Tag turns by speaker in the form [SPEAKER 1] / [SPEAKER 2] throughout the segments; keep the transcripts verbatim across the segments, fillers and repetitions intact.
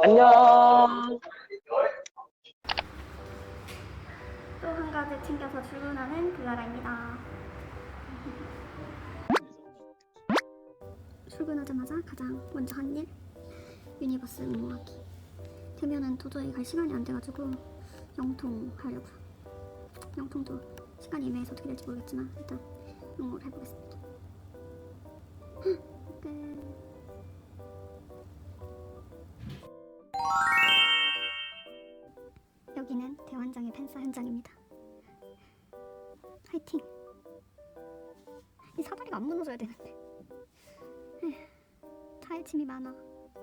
[SPEAKER 1] 안녕.
[SPEAKER 2] 또 한 가지 챙겨서 출근하는 그가라입니다. 출근하자마자 가장 먼저 한 일, 유니버스 응모하기. 되면은 도저히 갈 시간이 안 돼가지고 영통 하려고요. 영통도 시간이 애매해서 어떻게 될지 모르겠지만 일단 응모를 해보겠습니다. 끝. 여기는 대환장의 팬싸 현장입니다. 화이팅! 이 사다리가 안 무너져야 되는데. 에휴, 차에 침이 많아.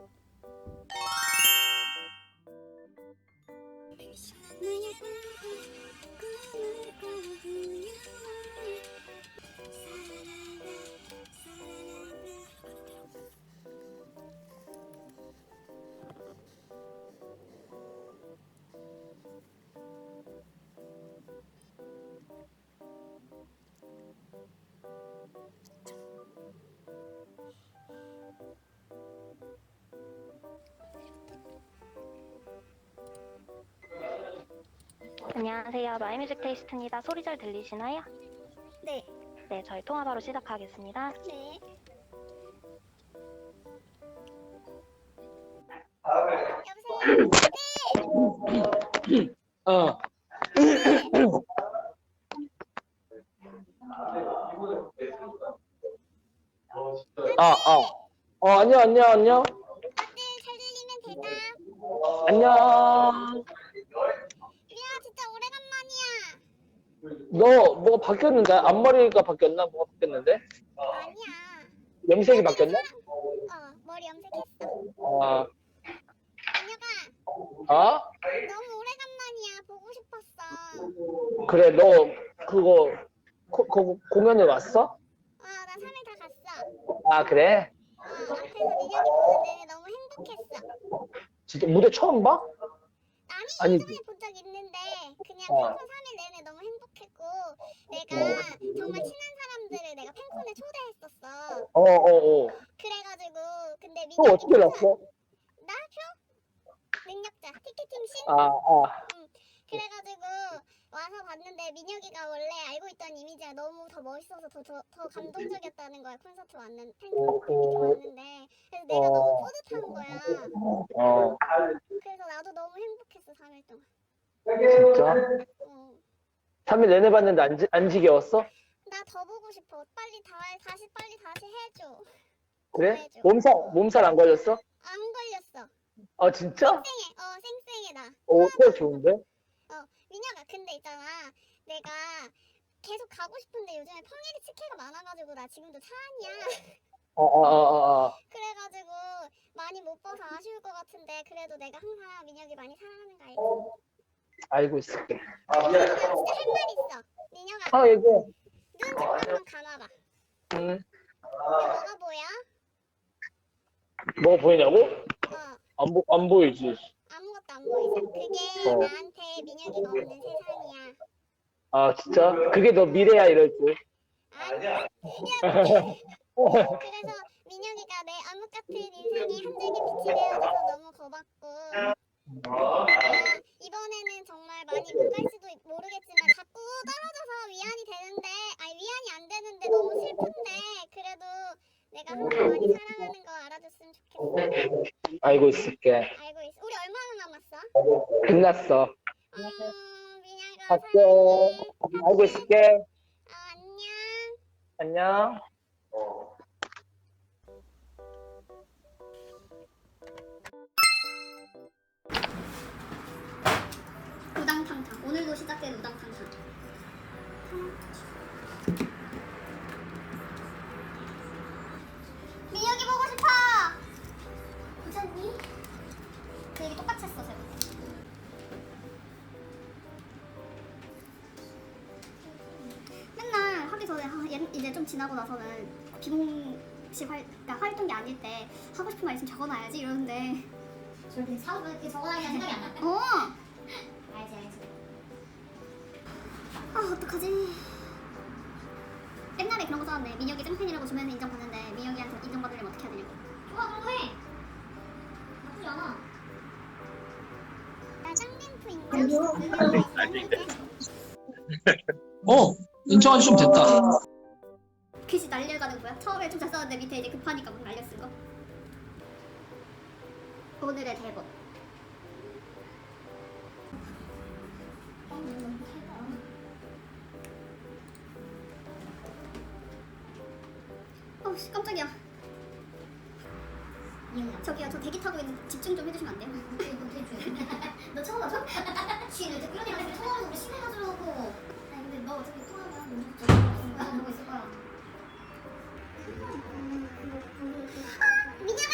[SPEAKER 3] 안녕하세요. 마이뮤직 테이스트입니다. 소리 잘 들리시나요?
[SPEAKER 2] 네.
[SPEAKER 3] 네, 저희 통화 바로 시작하겠습니다.
[SPEAKER 2] 네. 여보세요?
[SPEAKER 1] 어. 아, 아. 어, 안녕, 안녕, 안녕.
[SPEAKER 2] 네, 잘 들리면 대답.
[SPEAKER 1] 안녕.
[SPEAKER 2] 미아, 진짜 오래간만이야.
[SPEAKER 1] 너, 뭐가 바뀌었는데? 앞머리가 바뀌었나? 뭐가 바뀌었는데?
[SPEAKER 2] 아니야.
[SPEAKER 1] 염색이 바뀌었나?
[SPEAKER 2] 어, 머리 염색했어.
[SPEAKER 1] 아,
[SPEAKER 2] 민혁아,
[SPEAKER 1] 아?
[SPEAKER 2] 너무 오래간만이야. 보고 싶었어.
[SPEAKER 1] 그래, 너, 그거, 코, 거, 공연에 왔어?
[SPEAKER 2] 어, 나 삼 일 다 갔어.
[SPEAKER 1] 아, 그래?
[SPEAKER 2] 어, 앞에서 민혁이 보는 내내 너무 행복했어.
[SPEAKER 1] 진짜 무대 처음 봐?
[SPEAKER 2] 아니,
[SPEAKER 1] 아니지.
[SPEAKER 2] 예전에 본 적 있는데 그냥
[SPEAKER 1] 어.
[SPEAKER 2] 팬콘 삼 일 내내 너무 행복했고 내가 정말 친한 사람들을 내가 팬콘에 초대했었어.
[SPEAKER 1] 어, 어, 어.
[SPEAKER 2] 그래가지고 근데
[SPEAKER 1] 또
[SPEAKER 2] 민혁이
[SPEAKER 1] 어떻게 났어?
[SPEAKER 2] 나 표? 능력자 티켓팅 신?
[SPEAKER 1] 아, 아.
[SPEAKER 2] 응. 그래가지고 와서 봤는데 민혁이가 원래 알고 있던 이미지가 너무 더 멋있어서 더, 더, 더 감동적이었다는 거야. 콘서트 왔는 팬콘 팬미팅 왔는데 그래서 내가
[SPEAKER 1] 어.
[SPEAKER 2] 너무 뿌듯한 거야.
[SPEAKER 1] 어.
[SPEAKER 2] 그래서 나도 너무 행복했어. 삼 일 동안.
[SPEAKER 1] 진짜?
[SPEAKER 2] 어.
[SPEAKER 1] 삼 일 내내 봤는데 안, 지, 안 지겨웠어?
[SPEAKER 2] 나 더 보고 싶어. 빨리 다 다시 빨리 다시 해줘.
[SPEAKER 1] 그래?
[SPEAKER 2] 해줘.
[SPEAKER 1] 몸살, 몸살 안 걸렸어?
[SPEAKER 2] 안 걸렸어.
[SPEAKER 1] 아, 진짜?
[SPEAKER 2] 쌩쌩해. 어 쌩쌩해 나.
[SPEAKER 1] 오, 그거 좋은데?
[SPEAKER 2] 어 민혁아 근데 있잖아. 내가 계속 가고 싶은데 요즘에 평일에 치케가 많아가지고 나 지금도 차 안이야.
[SPEAKER 1] 어, 어, 어, 어, 어.
[SPEAKER 2] 그래가지고 많이 못 봐서 아쉬울 것 같은데 그래도 내가 항상 민혁이 많이 사랑하는 거 알지?
[SPEAKER 1] 알고 있을게.
[SPEAKER 2] 민혁아 진짜 할 말 있어. 민혁아
[SPEAKER 1] 아, 얘기해.
[SPEAKER 2] 눈 잠깐만 감아봐.
[SPEAKER 1] 응.
[SPEAKER 2] 뭐가 보여?
[SPEAKER 1] 뭐가 보이냐고?
[SPEAKER 2] 어
[SPEAKER 1] 안, 보, 안 보이지.
[SPEAKER 2] 아무것도 안 보이죠? 그게
[SPEAKER 1] 어.
[SPEAKER 2] 나한테 민혁이가 없는 세상이야.
[SPEAKER 1] 아, 진짜? 그게 너 미래야, 이럴 줄.
[SPEAKER 2] 아니야. 그래서 민혁이가 내 암흑 같은 인생에 한 줄기 빛이 되어줘서 너무 고맙고 내가 이번에는 정말 많이 못 갈 수도 모르겠지만 자꾸 떨어져서 위안이 되는데 아니 위안이 안 되는데 너무 슬픈데 그래도 내가 항상 많이 사랑하는 거 알아줬으면 좋겠어.
[SPEAKER 1] 알고 있을게.
[SPEAKER 2] 알고 있어. 우리 얼마나 남았어?
[SPEAKER 1] 끝났어.
[SPEAKER 2] 어, 민혁아
[SPEAKER 1] 갈게.
[SPEAKER 2] 사랑해.
[SPEAKER 1] 알고 있을게.
[SPEAKER 2] 어, 안녕.
[SPEAKER 1] 안녕.
[SPEAKER 2] 우당탕탕. 오늘도 시작된 우당탕탕. 민혁이 보고 싶어. 괜찮니? 그 얘기 똑같이 했어, 제가. 맨날 하기 전에 아, 얘- 이제 좀 지나고 나서는 비공식 활, 그러니까 활동이 아닐 때 하고 싶은 말 있으면 적어놔야지 이러는데.
[SPEAKER 4] 저렇게 사고 이렇게 적어놔야 생각이 안 나.
[SPEAKER 2] 어.
[SPEAKER 4] 알지 알지.
[SPEAKER 2] 아 어떡하지? 옛날에 그런 거 써놨네. 민혁이 짱팬이라고 주변에서 인정받는데 민혁이한테 인정받으려면 어떻게 해야 되냐고.
[SPEAKER 4] 좋아 그런 거 해. 나쁘지 않아.
[SPEAKER 5] 어 인정해주시면 됐다.
[SPEAKER 4] 글씨 날려가는 거야? 처음에 좀 잘 썼는데 밑에 이제 급하니까 막 날렸을 거. 오늘의 대본. 어우씨 깜짝이야. 저기요 저 대기 타고 있는 집중 좀 해주시면 안 돼요? 너 처음 와서? 지금 이제 그런 애가 통화하는 우리 심해가지고. 아니 근데 너 어차피 통화하면 무조건 저기 보고 있을 거야.
[SPEAKER 2] 민혁아!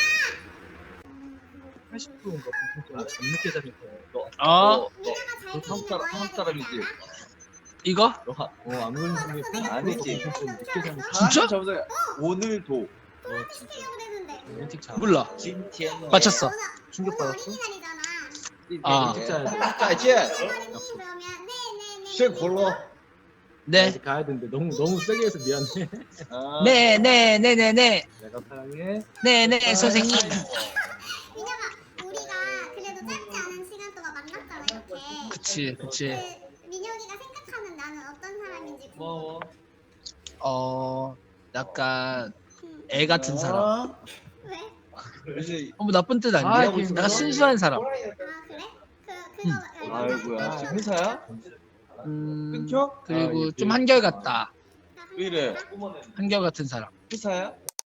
[SPEAKER 6] 팔십 분인가 안 늦게 자니까 너,
[SPEAKER 5] 어
[SPEAKER 2] 민혁아 잘
[SPEAKER 6] 너 한국
[SPEAKER 2] 들리는 거
[SPEAKER 6] 사람
[SPEAKER 2] 해야
[SPEAKER 6] 한국
[SPEAKER 2] 되지
[SPEAKER 6] 사람이지?
[SPEAKER 2] 않아?
[SPEAKER 5] 이거
[SPEAKER 6] 너어안 걸리는
[SPEAKER 2] 아니지.
[SPEAKER 6] 좀 늦게 자니까
[SPEAKER 5] 진짜?
[SPEAKER 6] 저보다 오늘도
[SPEAKER 2] 시키려고 그랬는데.
[SPEAKER 6] 일찍 자
[SPEAKER 5] 몰라.
[SPEAKER 6] 진티엔
[SPEAKER 5] 맞췄어.
[SPEAKER 2] 오늘
[SPEAKER 6] 충격
[SPEAKER 2] 오늘
[SPEAKER 6] 받았어?
[SPEAKER 2] 어린이날이잖아.
[SPEAKER 5] 아.
[SPEAKER 6] 일찍 자야 돼.
[SPEAKER 1] 再见
[SPEAKER 2] 어린이 그러면 네네네.
[SPEAKER 1] 辛苦了
[SPEAKER 5] 네.
[SPEAKER 6] 아직 가야 되는데 너무 너무 세게 해서 미안해.
[SPEAKER 1] 아,
[SPEAKER 5] 네, 네, 네, 네, 네,
[SPEAKER 6] 내가 사랑해.
[SPEAKER 5] 네, 네, 선생님.
[SPEAKER 2] 민혁아 우리가 그래도 짧지 않은 시간 동안 만났잖아 이렇게.
[SPEAKER 5] 그치, 그치.
[SPEAKER 2] 그 민혁이가 생각하는 나는 어떤 사람인지
[SPEAKER 6] 고마워.
[SPEAKER 5] 어, 약간
[SPEAKER 2] 음.
[SPEAKER 5] 애 같은 사람.
[SPEAKER 2] 왜?
[SPEAKER 1] 이제
[SPEAKER 5] 어, 뭐 나쁜 뜻 아니야.
[SPEAKER 6] 아이고,
[SPEAKER 5] 약간 순수한 사람.
[SPEAKER 2] 아 그래? 그 그거
[SPEAKER 5] 음.
[SPEAKER 2] 알고
[SPEAKER 1] 아이고야
[SPEAKER 2] 있어?
[SPEAKER 1] 회사야?
[SPEAKER 5] 음,
[SPEAKER 1] 끊겨?
[SPEAKER 5] 그리고
[SPEAKER 1] 아,
[SPEAKER 5] 좀 한결같다.
[SPEAKER 1] 왜 이래?
[SPEAKER 5] 한결 같은 사람.
[SPEAKER 1] 회사야?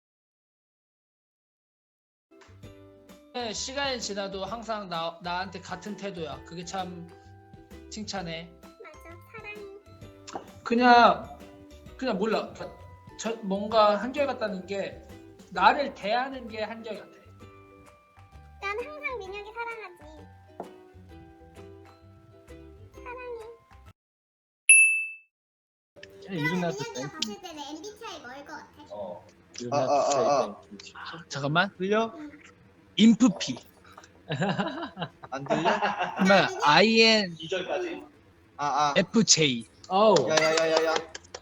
[SPEAKER 5] 네, 시간이 지나도 항상 나 나한테 같은 태도야. 그게 참 칭찬해.
[SPEAKER 2] 맞아 사랑해.
[SPEAKER 5] 그냥 그냥 몰라. 그러니까 저 뭔가 한결 같다는 게 나를 대하는 게 한결 같아.
[SPEAKER 2] 난 항상 민혁이 사랑하지. 사랑해.
[SPEAKER 6] 이름
[SPEAKER 2] 그러면
[SPEAKER 6] 나도
[SPEAKER 2] 민혁이가 봤을 때는 엠비티아이 뭐일 것 같아?
[SPEAKER 1] 어.
[SPEAKER 6] 이름
[SPEAKER 1] 아, 아, 아,
[SPEAKER 6] 나도
[SPEAKER 5] 아, 잠깐만.
[SPEAKER 1] 들려?
[SPEAKER 5] 인프피.
[SPEAKER 1] 안 들려?
[SPEAKER 5] 그러면 아이엔에프제이.
[SPEAKER 1] 이 절까지? 아, 아.
[SPEAKER 6] 어우.
[SPEAKER 1] 야야야야야.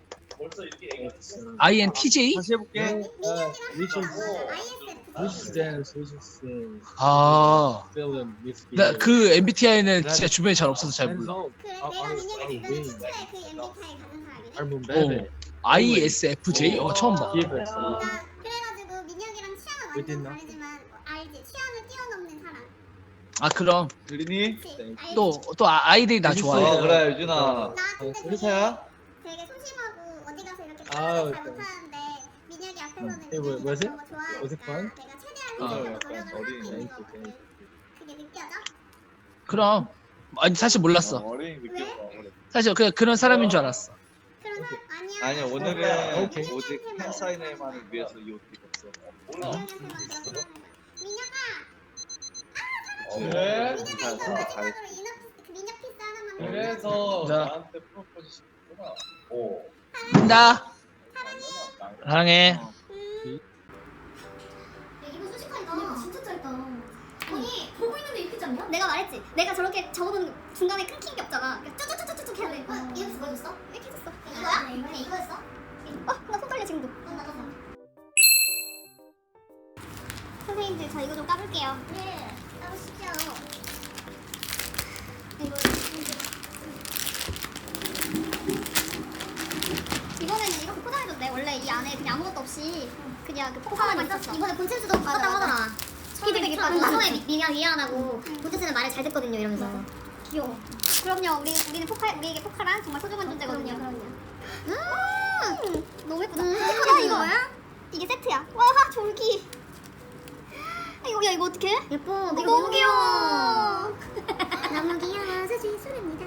[SPEAKER 5] 아이엔티제이?
[SPEAKER 1] 다시 해볼게.
[SPEAKER 2] 민혁이랑
[SPEAKER 6] 위치
[SPEAKER 2] 아이에스에프.
[SPEAKER 6] 위치센스 위치센스
[SPEAKER 5] 아,
[SPEAKER 6] 필름 미스.
[SPEAKER 5] 나 그 엠비티아이는 진짜 주변에 잘 없어서 잘 몰라.
[SPEAKER 2] 그래
[SPEAKER 6] 아,
[SPEAKER 2] 내가
[SPEAKER 6] 아,
[SPEAKER 2] 민혁이
[SPEAKER 6] 아,
[SPEAKER 2] 주변에
[SPEAKER 6] 왜?
[SPEAKER 2] 친구에 그 엠비티아이 가는 사람이네.
[SPEAKER 6] 할문
[SPEAKER 5] 어,
[SPEAKER 6] 베베.
[SPEAKER 5] 아이에스에프제이? 어, 처음 봐.
[SPEAKER 6] 기회가
[SPEAKER 2] 나
[SPEAKER 6] 있어.
[SPEAKER 2] 그래가지고 민혁이랑 취향은
[SPEAKER 6] 어디
[SPEAKER 2] 완전
[SPEAKER 6] 있나?
[SPEAKER 2] 다르지만 알지? 취향을 뛰어넘는 사람.
[SPEAKER 5] 아, 그럼
[SPEAKER 1] 들리니?
[SPEAKER 2] 그치? 알지?
[SPEAKER 5] 또 또 아이들이 나 좋아해.
[SPEAKER 1] 어 그래 유준아.
[SPEAKER 2] 나 근데 되게,
[SPEAKER 1] 회사야?
[SPEAKER 2] 되게 소심하고 어디 가서 이렇게
[SPEAKER 6] 아우,
[SPEAKER 2] 표현을 잘 못하는데 민혁이 앞에서는
[SPEAKER 6] 음, 이거
[SPEAKER 2] 민혁이가
[SPEAKER 6] 뭐지?
[SPEAKER 2] 너무 좋아하니까
[SPEAKER 6] 어색한?
[SPEAKER 2] 내가 최대한
[SPEAKER 5] 아,
[SPEAKER 2] 민혁이한테
[SPEAKER 1] 약간
[SPEAKER 2] 노력을 하고
[SPEAKER 1] 어린이네.
[SPEAKER 2] 있는 것 같아. 그게 느껴져?
[SPEAKER 5] 그럼 아니 사실 몰랐어.
[SPEAKER 1] 어린이 느꼈어.
[SPEAKER 5] 사실 그냥 그런 사람인 줄 알았어.
[SPEAKER 2] 그런 사람 아니야.
[SPEAKER 1] 아니
[SPEAKER 2] 민혁이한테만
[SPEAKER 1] 오늘은
[SPEAKER 6] 오케이.
[SPEAKER 1] 오직
[SPEAKER 2] 그런
[SPEAKER 1] 팬사인회만을 위해서 이 옷 입었어.
[SPEAKER 2] 민혁이한테만 그렇게 하는 거야. 민혁아!
[SPEAKER 1] 그래?
[SPEAKER 2] 민혁아 이거
[SPEAKER 1] 잘했어.
[SPEAKER 2] 마지막으로 이너피스 그 민혁 피스 하나만
[SPEAKER 6] 그래서
[SPEAKER 5] 자.
[SPEAKER 6] 나한테 프로포즈 시켰구나. 오.
[SPEAKER 5] 나 사랑해.
[SPEAKER 2] 음,
[SPEAKER 4] 이거 수식하니까 진짜 짧다. 아니 보고 있는데 이렇게 짧냐? 내가 말했지. 내가 저렇게 적어놓은 중간에 끊긴 게 없잖아. 그러니까 쭈쭈쭈쭈쭈 해야 돼. 어, 이렇게 보여줬어? 이렇게 했었어. 이거야? 그냥 이거였어? 어? 나 손 떨려 지금도. 어, 나도. 선생님들 저 이거 좀 까볼게요. 네. 까보시죠. 이거 이번에는 이렇게 포장해줬네. 원래 이 안에 그냥 아무것도 없이 그냥 그 포카만 있었어. 이번에 본체스도 똑같다고 하더라. 피드백 있다고. 처음에 민영 이해 안 하고 본체스는 말을 잘 듣거든요 이러면서. 귀여워. 그럼요. 우리 우리는 포카 우리에게 포카란 정말 소중한 존재거든요. 그럼요. 음, 너무 예쁘다. 스티커야 이거. 이게 세트야. 와 졸기. 이거 야 이거 어떡해? 예뻐. 이거 너무 귀여워. 너무 귀여워서 실수입니다.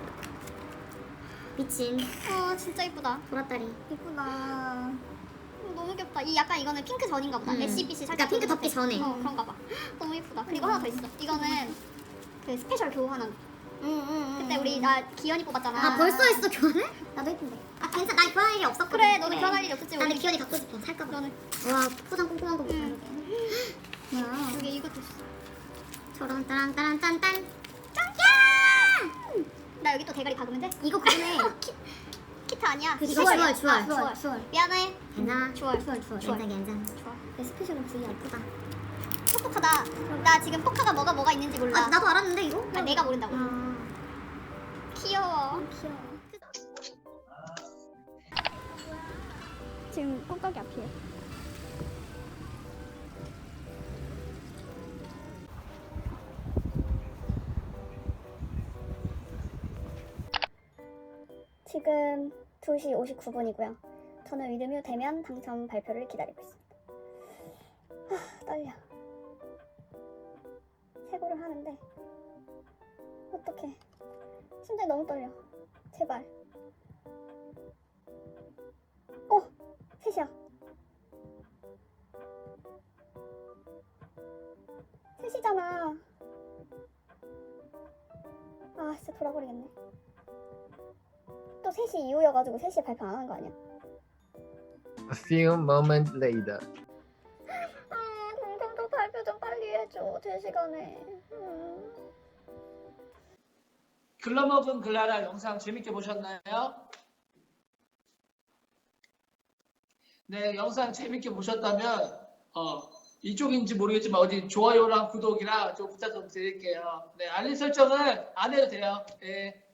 [SPEAKER 4] 미친. 어 진짜 예쁘다. 보라다리. 예쁘다. 어, 너무 귀엽다. 이 약간 이거는 핑크 전인가 보다.
[SPEAKER 7] 음.
[SPEAKER 4] 애쉬빛이 살짝 핑크 덮기 전에. 어 그런가 봐. 너무 예쁘다. 그리고 하나 더 있어. 이거는 그 스페셜 교환한. 응응응. 그때 우리 나 기현이 뽑았잖아.
[SPEAKER 7] 아 벌써 했어 교환을? 나도 했던데. 아 괜찮아 나 교환할 일이 없었거든.
[SPEAKER 4] 그래 너는 교환할 일이 없었지.
[SPEAKER 7] 나 근데
[SPEAKER 4] 우리.
[SPEAKER 7] 기현이 갖고 싶어 살까봐.
[SPEAKER 4] 너는
[SPEAKER 7] 와 포장 꼼꼼한 거 보자.
[SPEAKER 4] 응.
[SPEAKER 7] 뭐야?
[SPEAKER 4] 여기 이것도 있어.
[SPEAKER 7] 저런 따란 따란 딴딴.
[SPEAKER 4] 짱! 나 여기 또 대가리 박으면 돼?
[SPEAKER 7] 이거 그거네.
[SPEAKER 4] 키트 아니야.
[SPEAKER 7] 이거
[SPEAKER 4] 주얼이야.
[SPEAKER 7] 주얼 주얼
[SPEAKER 4] 아,
[SPEAKER 7] 주얼 주얼.
[SPEAKER 4] 미안해.
[SPEAKER 7] 괜찮아.
[SPEAKER 4] 주얼.
[SPEAKER 7] 주얼 주얼.
[SPEAKER 4] 주얼.
[SPEAKER 7] 괜찮아 괜찮아.
[SPEAKER 4] 좋아.
[SPEAKER 7] 내 스페셜은 V 예쁘다.
[SPEAKER 4] 똑똑하다. 나 지금 포카가 뭐가 뭐가 있는지 몰라.
[SPEAKER 7] 아 나도 알았는데 이거?
[SPEAKER 4] 아, 내가 모른다고.
[SPEAKER 7] 아,
[SPEAKER 2] 귀여워.
[SPEAKER 7] 귀여워.
[SPEAKER 2] 지금 꾹꾹이 앞이에요. 지금 두 시 오십구 분이고요. 저는 위드뮤 되면 당첨 발표를 기다리고 있습니다. 아, 떨려. 세고를 하는데 어떡해. 심장이 너무 떨려. 제발. 어! 셋이야. 셋이잖아. 아 진짜 돌아버리겠네. 또 세 시 이후여가지고 세 시에 발표 안 하는 거 아니야?
[SPEAKER 1] A few moments later.
[SPEAKER 2] 아 동생도 발표 좀 빨리 해줘. 제 시간에. 음.
[SPEAKER 5] 글러먹은 글라라 영상 재밌게 보셨나요? 네, 영상 재밌게 보셨다면 어, 이쪽인지 모르겠지만 어디 좋아요랑 구독이랑 좀 부탁 좀 드릴게요. 네, 알림 설정은 안 해도 돼요. 네.